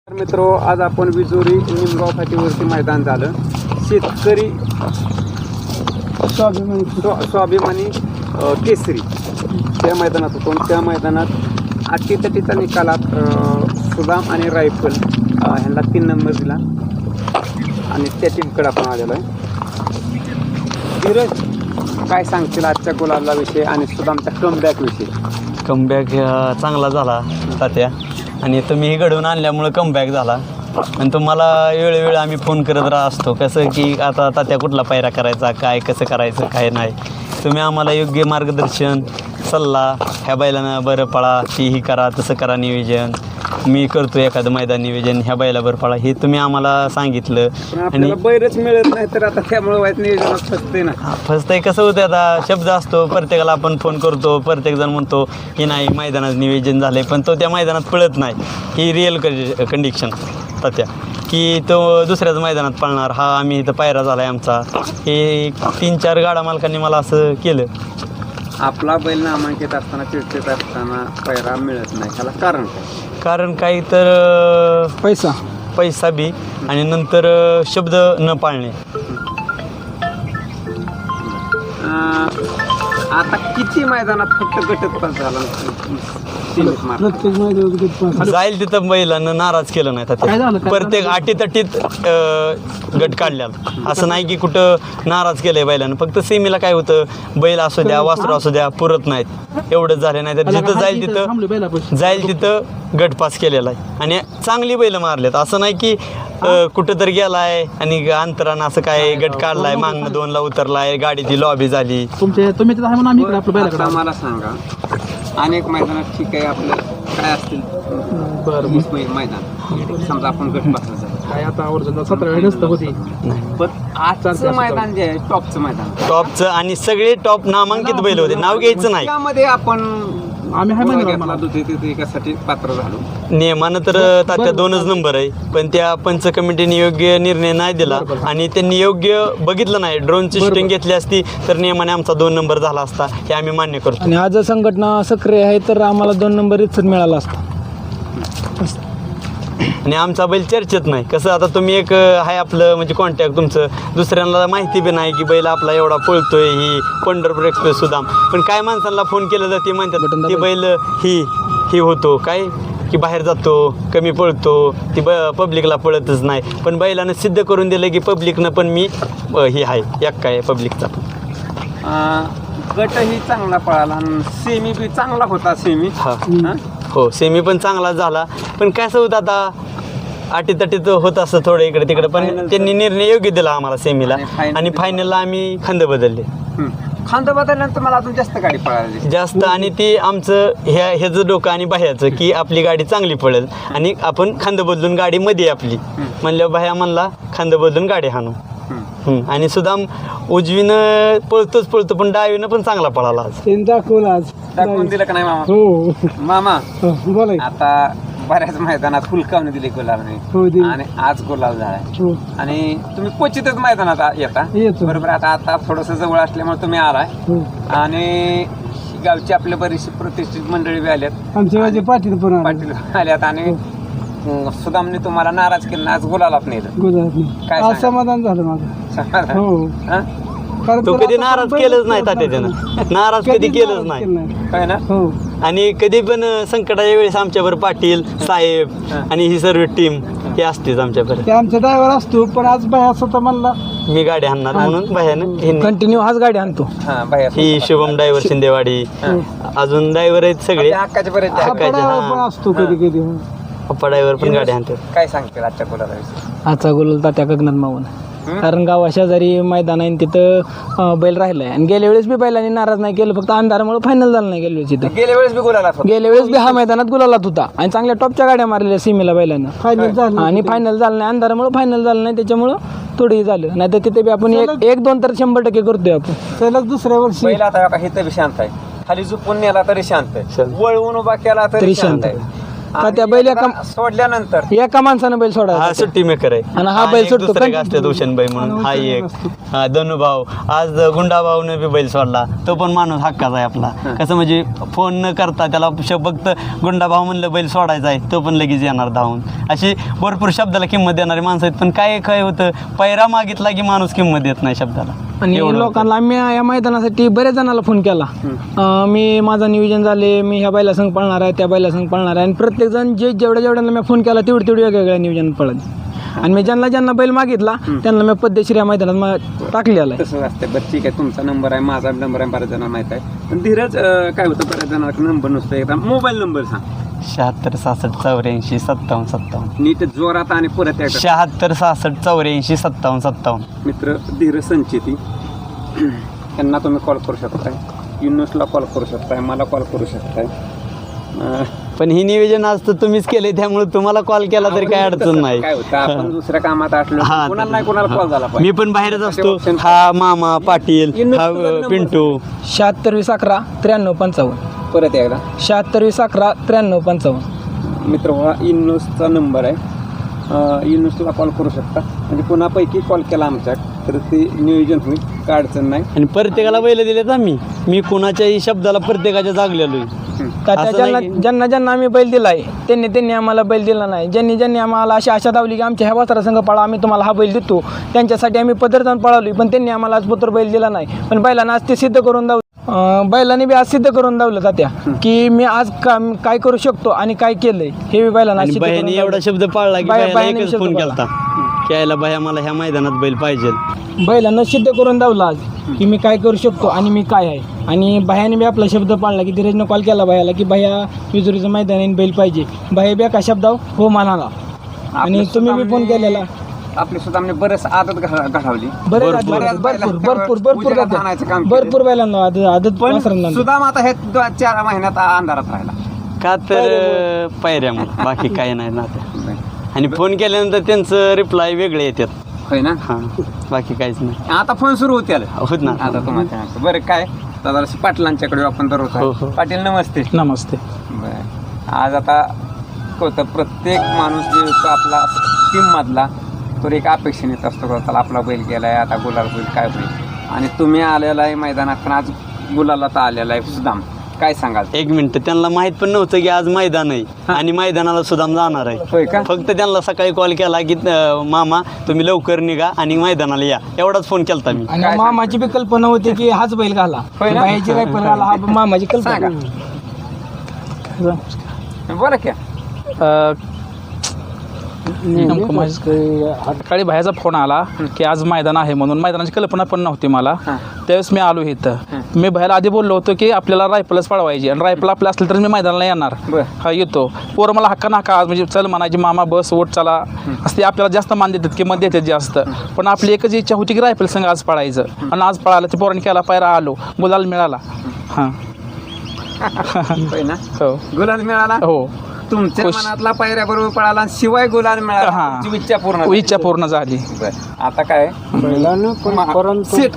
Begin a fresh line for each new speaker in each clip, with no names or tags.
मित्रो, आज आपण विजोरी निमगाव फाटीवरती मैदान झालं. शेतकरी स्वाभिमानी केसरी त्या मैदानात होतो. त्या मैदानात अटीतटीच्या निकालात सुदाम आणि रायफल ह्यांना 3 नंबर दिला आणि त्या टीमकडे आपण आलेलो आहे. धीरज, काय सांगतील आजच्या गुलाला विषय आणि सुदामच्या कमबॅक विषयी?
कमबॅक चांगला झाला तात्या, आणि तुम्हीही घडवून आणल्यामुळं कमबॅक झाला. आणि तुम्हाला वेळोवेळी आम्ही फोन करत असतो, कसं की आता तात्या कुठला पायरा करायचा, काय कसं करायचं, काय नाही. तुम्ही आम्हाला योग्य मार्गदर्शन, सल्ला, ह्या बैलानं बरं पळा, ही करा, तसं करा नियोजन, मी करतो एखादं मैदान नियोजन, ह्या बैलावर पळा, हे तुम्ही आम्हाला सांगितलं.
आणि बैरच मिळत नाही तर आता त्यामुळे वाईट नियोजनात फसते ना.
फसतंय कसं होतं, आता शब्द असतो प्रत्येकाला, आपण फोन करतो, प्रत्येकजण म्हणतो की नाही मैदानात नियोजन झालं, पण तो त्या मैदानात पळत नाही. ही रिअल कंडिशन तात्या, की तो दुसऱ्याच मैदानात पळणार. हा आम्ही इथं पायरा झाला आहे आमचा, हे 3-4 गाडा मालकांनी मला असं केलं.
आपला बैल नामांकित असताना, चिडचिड असताना पायरा मिळत नाही, त्याला कारण काय?
कारण काही तर पैसा बी, आणि नंतर शब्द न पाळणे.
आता किती मैदानात फक्त गटत पास झाला?
जाईल तिथं बैलानं नाराज केलं नाही तात्या. प्रत्येक अटीतटीत गट काढल्याला, असं नाही की कुठं नाराज केलंय बैलानं. फक्त सेमीला काय होतं, बैल असू द्या, वासरू असू द्या, पुरत नाहीत, एवढंच झाले नाही. तर जिथं जाईल तिथं गट पास केलेला आहे, आणि चांगली बैल मारलेत. असं नाही की कुठं तर गेलाय आणि अंतरानं असं काय गट काढलाय, मागणं 2ला उतरलाय, गाडीची लॉबी झाली.
आता मला सांगा, अनेक मैदानात ठीक आहे, आपलं काय असतील मैदान, समजा आपण गट पास
काय आता 17 वेळ नसतं होती,
पण आजचं मैदान जे आहे टॉपचं मैदान,
टॉपचं, आणि सगळे टॉप नामांकित बैल होते, नाव घ्यायचं नाही.
त्यामध्ये आपण
आम्ही
एकासाठी पात्र झालो.
नियमानं तर तात्या 2च नंबर आहे, पण त्या पंच कमिटीने योग्य निर्णय नाही दिला, आणि त्यांनी योग्य बघितलं नाही. ड्रोनची शूटिंग घेतली असती तर नियमाने आमचा 2 नंबर झाला असता, हे आम्ही मान्य करतो.
आणि आज संघटना सक्रिय आहे तर आम्हाला 2 नंबर इथं मिळाला असता.
आणि आमचा बैल चर्चेत नाही. कसं आता तुम्ही एक आहे आपलं म्हणजे कॉन्टॅक्ट तुमचं, दुसऱ्यांना माहिती बी नाही की बैल आपला एवढा पळतोय, ही पंढरपूर एक्सप्रेस सुदाम. पण काय माणसांना फोन केलं तर ते म्हणतात ती बैल ही होतो काय, की बाहेर जातो, कमी पळतो, ती पब्लिकला पळतच नाही. पण बैलानं सिद्ध करून दिलं की पब्लिकनं पण मी ही आहे, एक काय पब्लिकचा.
गटही चांगला पळाला, सेमी बी चांगला होता. सेमी
हो, सेमी पण चांगला झाला. पण कसं होतं, आता अटीतटीत होत असतं थोडं इकडे तिकडे, पण त्यांनी निर्णय योग्य दिला आम्हाला सेमीला, आणि फायनलला आम्ही खांद बदलले.
खांद बदलल्यानंतर मला अजून जास्त गाडी पळाली
जास्त, आणि ती आमचं ह्याचं डोकं आणि बाह्याचं, की आपली गाडी चांगली पळेल आणि आपण खांद बदलून गाडी मध्ये आपली म्हणल्यावर बाह्या म्हणला खांद बदलून गाडी हाणू. आणि सुदाम उजवीनं पळतो, पण डावीनं पण चांगला पळाला आज.
दाखवून दिलं का नाही मामा?
हो
मामा
बोला.
आता बऱ्याच मैदानात फुलकावणी दिली गुलाबने, आणि आज गुलाब झालाय, आणि तुम्ही क्वचितच मैदानात येता बरोबर. आता थोडंसं जवळ असल्यामुळे तुम्ही आलाय, आणि गावची आपल्या बरीचशी प्रतिष्ठित मंडळी बी आल्यात,
आमच्या पाटील
आल्यात, आणि सुदामने तुम्हाला नाराज केलं, आज गुलाल आपण काय
समाधान झालं माझं.
समाधान?
तो कधी नाराज केलंच नाही तात्या, त्यानं नाराज कधी केलंच नाही,
काय ना.
आणि कधी पण संकटाच्या वेळेस आमच्यावर पाटील साहेब आणि ही सर्व टीम हे असतेच आमच्यापर्यंत.
आमचा ड्रायव्हर असतो, पण आज बाया स्वतः म्हणला
मी गाडी आणणार म्हणून बाह्यानं
कंटिन्यू हाच गाडी आणतो.
ही शुभम ड्रायव्हर शिंदेवाडी, अजून ड्रायव्हर आहेत सगळे,
हक्काचे बरेच
असतो कधी कधी.
पप्पा ड्रायव्हर पण गाडी आणतात.
काय सांगतील आजच्या गुलाला?
आजचा गुलाल तात्या गगनात मावून, कारण गावा शेजारी मैदान आहे, तिथं बैल राहिलाय. आणि गेल्या वेळेस बी बैलांनी नाराज नाही केलं, फक्त अंधारामुळे फायनल झालं नाही. गेल्या वेळेस
गेल्या वेळेस बी गुलाला,
गेल्या वेळेस बी हा मैदानात गुलालात होता, आणि चांगल्या टॉपच्या गाड्या मारलेल्या सीमेला बैलानं, आणि फायनल झालं नाही. अंधारामुळे फायनल झालं नाही, त्याच्यामुळं थोडी झालं. नाही तर तिथे बी आपण 1-2 तर 100% करतोय आपण. सलग दुसऱ्या वर्षी
बैल आता हे तर शांत आहे, खाली झोपून नेला तरी शांत आहे, वळवून उभा केला तरी शांत आहे.
त्या बैल
सोडल्यानंतर
एका माणसानं बैल सोडा
हा सुट्टी मेकर आहे
आणि हा बैल
एक
सुटतो
दुसरे एक असतात हुसेनबाई म्हणून हा एक हा धनुभाऊ आज गुंडाभाऊने बी बैल सोडला तो पण माणूस हक्काचा आहे आपला कसं म्हणजे फोन न करता त्याला फक्त गुंडाभाऊ म्हणलं बैल सोडायचा आहे तो पण लगेच येणार धावून अशी भरपूर शब्दाला किंमत देणारी माणसं आहेत पण काय होतं पैरा मागितला की माणूस किंमत देत नाही शब्दाला
आणि लोकांना मी या मैदानासाठी बऱ्याच जणांना फोन केला मी माझं नियोजन झाले मी ह्या बैला संघ पळणार आहे त्या बैला संघ पळणार आहे आणि प्रत्येक जण जेवढ्यांना मी फोन केला तेवढी वेगवेगळ्या नियोजन पळत आणि मी ज्यांना बैल मागितला त्यांना मी पद्धतशीर या मैदानात टाकलेला आहे.
तसं असते बरं ठीक आहे तुमचा नंबर आहे माझा नंबर आहे बऱ्याच जणांना माहित आहे पण धीरज काय होतं बऱ्याच जणांना नंबर नसतो एकदा मोबाईल नंबर सांग
76 66 84 57 57
नीट जोरात आणि परत एकदा
76 66 84 57 57
मित्र धीरज संचेती त्यांना तुम्ही कॉल करू शकताय युनुसला कॉल करू शकताय मला कॉल करू शकताय
पण ही नियोजन आज तर तुम्हीच केले त्यामुळे तुम्हाला कॉल केला तरी काय अडचण नाही
काय होतं आपण दुसऱ्या कामात असलो
हा,
कोणाला नाही कोणाला कॉल झाला
मी पण बाहेरच असतो हा मामा पाटील हा पिंटू
76 20 11 93 55
परत एकदा
76 20 11 93 55
मित्र हा युनुसचा नंबर आहे युनुसला कॉल करू शकता म्हणजे कोणापैकी कॉल केला आमच्या तर ते नियोजन होईल काय अडचण नाही
आणि प्रत्येकाला बैल दिलेत आम्ही मी कोणाच्याही शब्दाला प्रत्येकाच्या जागलेलो आहे.
का त्या
असं नाही की-
ज्यांना आम्ही बैल दिलाय त्यांनी आम्हाला बैल दिला नाही ज्यांनी आम्हाला अशी आशा दावली की आमच्या ह्या वासरा संघ पळा आम्ही तुम्हाला हा बैल देतो त्यांच्यासाठी आम्ही पदरदान पळवली पण त्यांनी आम्हाला आज पुत्र बैल दिला नाही पण बैलांना आज ते सिद्ध करून दावलं बैलांनी बी आज सिद्ध करून दावलं जात्या की मी आज काय करू शकतो आणि काय केलंय हे बी बैलांना आज
आणि
सिद्ध करून
बहिणी
दावलं.
एवढा शब्द पाळला की
बाया-
बायाला
बायाने
एकच
शब्द
फोन
पाळला.
केलता की यायला बाया मला ह्या मैदानात बैल पाहिजे
बैलांना सिद्ध करून दावलं आज की मी काय करू शकतो आणि मी काय आहे आणि बाह्याने बी आपला शब्द पाळला की धीरजनं कॉल केला बायाला की बाह्या विजुरीचं मैदान आहे, बैल पाहिजे बाह्या बी एका शब्दाव हो म्हणाला आणि तुम्ही बी फोन केलेला
आपली सुद्धा म्हणजे बरेच आदत घडवली
भरपूर बैलांना आदत वासरांना
सुद्धा आता हे 4 महिन्यात अंधारात राहिला
का तर पायऱ्यामुळे बाकी काही नाही ना ते आणि फोन केल्यानंतर त्यांचं रिप्लाय वेगळे येतात
होय ना
हां बाकी काहीच नाही
आता फोन सुरू होते
होत ना
आता तुम्हाला बरं काय दादा पाटलांच्याकडे आपण
हो,
दररोज
हो.
पाटील नमस्ते
नमस्ते
बरं आज आता होतं प्रत्येक माणूस जे होतो आपला टीम मधला तो एक अपेक्षेने येत असतो चला आपला बैल गेलाय आता गुलाल होईल काय होईल आणि तुम्ही आलेला आहे मैदानात पण आज गुलाला तर आलेला आहे सुदाम काय सांगाल
1 मिनिट त्यांना माहित पण नव्हतं की आज मैदान आहे आणि मैदानाला सुद्धा जाणार आहे
होय का
फक्त त्यांना सकाळी कॉल केला की मामा तुम्ही लवकर निघा आणि मैदानाला या एवढाच फोन केलता मी
आणि मामाची बी कल्पना होती की हाच बैल घाला
होय ना?
बाह्याची रायफल घाला हा मामाची कल्पना
बरं क्या
सकाळी बाहेरचा फोन आला की आज मैदान आहे म्हणून मैदानाची कल्पना पण नव्हती मला त्यावेळेस मी आलो इथं मी बाहेर आधी बोललो होतो की आपल्याला रायफलच पळवायची आणि रायफल आपलं असलं तर मी मैदानाला येणार हा येतो पोरं मला हक्का नाका आज म्हणजे चल म्हणायची मामा बस ओट चला असते आपल्याला जास्त मान देतात किंमत देतात जास्त पण आपली एकच इच्छा होती की रायफल संघ आज पळायचं आणि आज पळालं ते पोरांनी केला पायरा आलो गुलाल मिळाला हां
होय ना
हो
गुलाल मिळाला
हो
तुमच्या
खुश.
मनातला पायऱ्या बरोबर पळाला आणि शिवाय गुलाल मिळाला
हा.
तुमची इच्छा पूर्ण झाली.
इच्छा पूर्ण झाली
बरं. आता काय सेट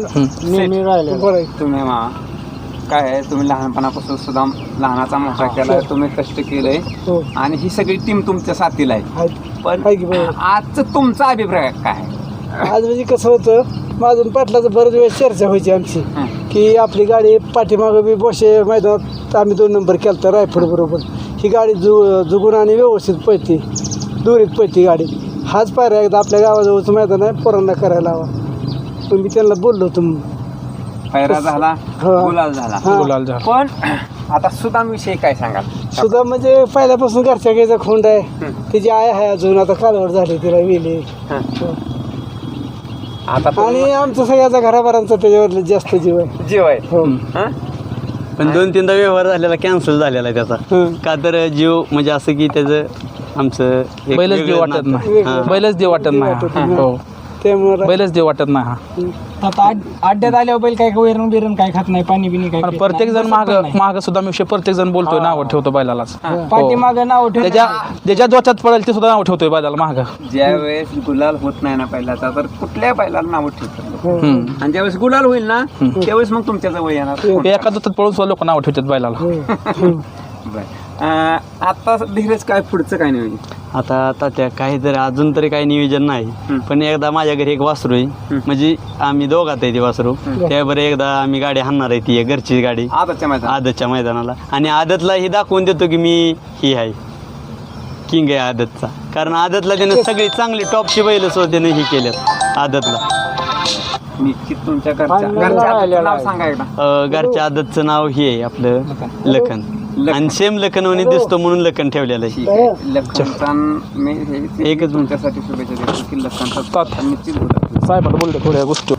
तुम्ही काय आहे तुम्ही लहानपणापासून सुद्धा लहानाचा मोठा केलाय तुम्ही कष्ट केलंय आणि ही सगळी टीम तुमच्या साथीला आहे पण आजचं तुमचा अभिप्राय काय आहे?
आज म्हणजे कसं होतं माझून पाटलाचं बरेच वेळ चर्चा व्हायची आमची की आपली गाडी पाठीमागं बी बोशे मैदानात आम्ही 2 नंबर केला तर रायफड बरोबर ही गाडी जुगून आणि व्यवस्थित पळते दुरीत पळते गाडी हाच पायरा एकदा आपल्या गावाजवळचं मैदान आहे पोरांना करायला हवा पण मी त्यांना बोललो होतो
पायरा झाला
हा.
गुलाल झाला
हा.
गुलाल झाला
पण आता सुदाम विषयी काय सांगाल
सुद्धा म्हणजे पहिल्यापासून घरच्या गाईचा खोंड आहे तिची आय आहे अजून आता कालवड झाली तिला वेली
आता
आणि आमचा सगळ्याचा घराभरांचा त्याच्यावर जास्त जीव आहे
जीव आहे
हो
हं?
पण 2-3दा व्यवहार झालेला कॅन्सल झालेला आहे त्याचा
हं.
का तर जीव म्हणजे असं की त्याचं आमचं एक
बैलच देव
वेगळं
वाटत
नातं.
नाही
हां.
बैलच देव वाटत नाही हा. हो
त्यामुळे
बैलच देव वाटत नाही हा
आता अड्ड्यात आल्यावर बैल काय वैरण बिरण काय खात नाही पाणी बिनी काय
पण
पित
प्रत्येक
नाही.
जण माग सुद्धा मी प्रत्येक जण बोलतोय नाव ठेवतो बैलालाच
पाठीमागं नाव ठेवलं
ज्याच्या जोच्यात पडेल ते सुद्धा नाव ठेवतोय बैलाला माग
ज्या वेळेस गुलाल होत नाही ना पहिल्याचा तर कुठल्या बैलाला नाव ठेवतात आणि ज्यावेळेस गुलाल होईल ना त्यावेळेस मग तुमच्या जवळ येणार
एका जोतात पळून सुद्धा लोक नाव ठेवतात बैलाला
बरं. आता धीरज काय पुढचं काय नाही
आता त्या काहीतरी अजून तरी काही नियोजन नाही, पण एकदा माझ्या घरी एक वासरू आहे, म्हणजे आम्ही दोघात आहे ती वासरू, त्याबरोबर एकदा आम्ही गाडी हाणणार आहे, ती घरची गाडी आदतच्या मैदानाला, आणि आदतला ही दाखवून देतो की मी ही आहे किंग आहे आदतचा, कारण आदतला त्याने सगळी चांगली टॉपची बैल त्याने ही केल्यात आदतला.
निश्चित तुमच्या घरच्या नाव सांगा एकदा.
घरच्या आदतचं नाव हे आहे आपलं लखन, आणि सेम लखन म्हणे दिसतो म्हणून लखन ठेवलेलं आहे.
लखनचा मी
एकच
तुमच्यासाठी शुभेच्छा देतो की लखनचा निश्चित होता.
साहेब बोलतो थोड्या गोष्टी.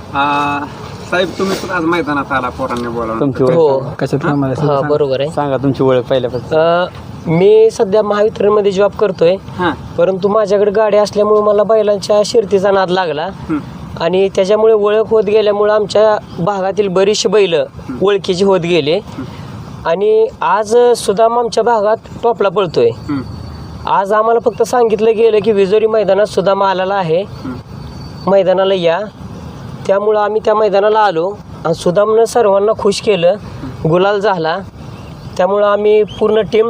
साहेब तुम्ही पण आज मैदानात आला, पोरांनी बोलावलं.
तुमची ओळख
हो
कशात
हा बरोबर आहे.
सांगा तुमची ओळख पहिल्यापासून.
मी सध्या महावितरणमध्ये जॉब करतोय, परंतु माझ्याकडे गाडी असल्यामुळे मला बैलांच्या शर्तीचा नाद लागला, आणि त्याच्यामुळे ओळख होत गेल्यामुळं आमच्या भागातील बरीचशी बैल ओळखीची होत गेले, आणि आज सुदाम आमच्या भागात टॉपला पळतोय. आज आम्हाला फक्त सांगितलं गेलं की विजोरी मैदानात सुदाम आलेला आहे, मैदानाला या. त्यामुळं आम्ही त्या मैदानाला आलो, आणि सुदामनं सर्वांना खुश केलं, गुलाल झाला. त्यामुळं आम्ही पूर्ण टीम,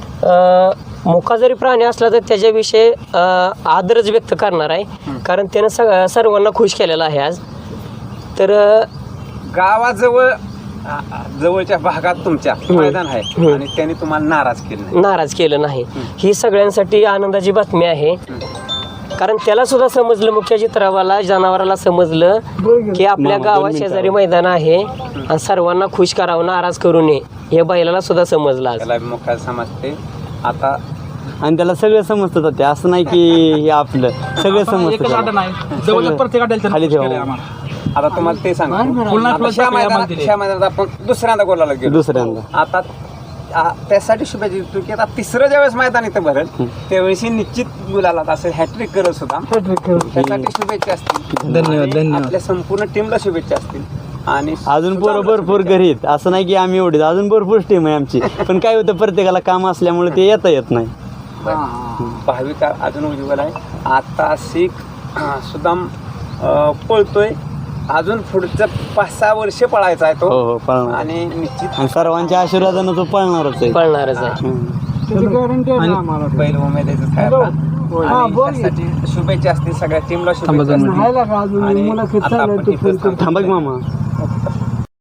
मुका जरी प्राणी असला तर त्याच्याविषयी आदरच व्यक्त करणार आहे, कारण त्यानं सर्वांना खुश केलेला आहे आज. तर
गावाजवळ जवळच्या भागात तुमच्या मैदान आहे आणि त्यांनी तुम्हाला नाराज केलं
नाही, ही सगळ्यांसाठी आनंदाची बातमी आहे. कारण त्याला सुद्धा समजलं, मुख्य चित्रावाला जनावराला समजलं की आपल्या गावात शेजारी मैदान आहे आणि सर्वांना खुश करावं, नाराज करू नये, हे बैलाला सुद्धा समजलं.
त्याला मुख्य समजते आता,
आणि त्याला सगळं समजतं ते, असं नाही की हे आपलं सगळं समजतं खाली ठेवा.
आता तुम्हाला ते सांगा, ह्या मैदानात आपण दुसऱ्यांदा गोलाला गेलो, आता त्यासाठी शुभेच्छा देतो की आता तिसरं ज्यावेळेस मैदान इथं भरेल त्यावेळेस निश्चित गुलाला असं हॅट्रिक करत होता, त्यासाठी शुभेच्छा असतील.
धन्यवाद.
आपल्या संपूर्ण टीमला शुभेच्छा असतील. आणि
अजून भरपूर घरी आहेत, असं नाही की आम्ही एवढे, अजून भरपूर टीम आहे आमची, पण काय होतं प्रत्येकाला काम असल्यामुळे ते येत नाही.
भावी काळ अजून उज्ज्वल आहे. आता सुदाम पळतोय, अजून पुढचं 5-6 वर्ष पळायचा आहे तो.
हो पळणार,
आणि निश्चित
सर्वांच्या आशीर्वादानं तो पळणारच आहे.
बैल उमेदच काय शुभेच्छा असतील सगळ्या टीमला शुभेच्छा असतील.
थांबा की मामा.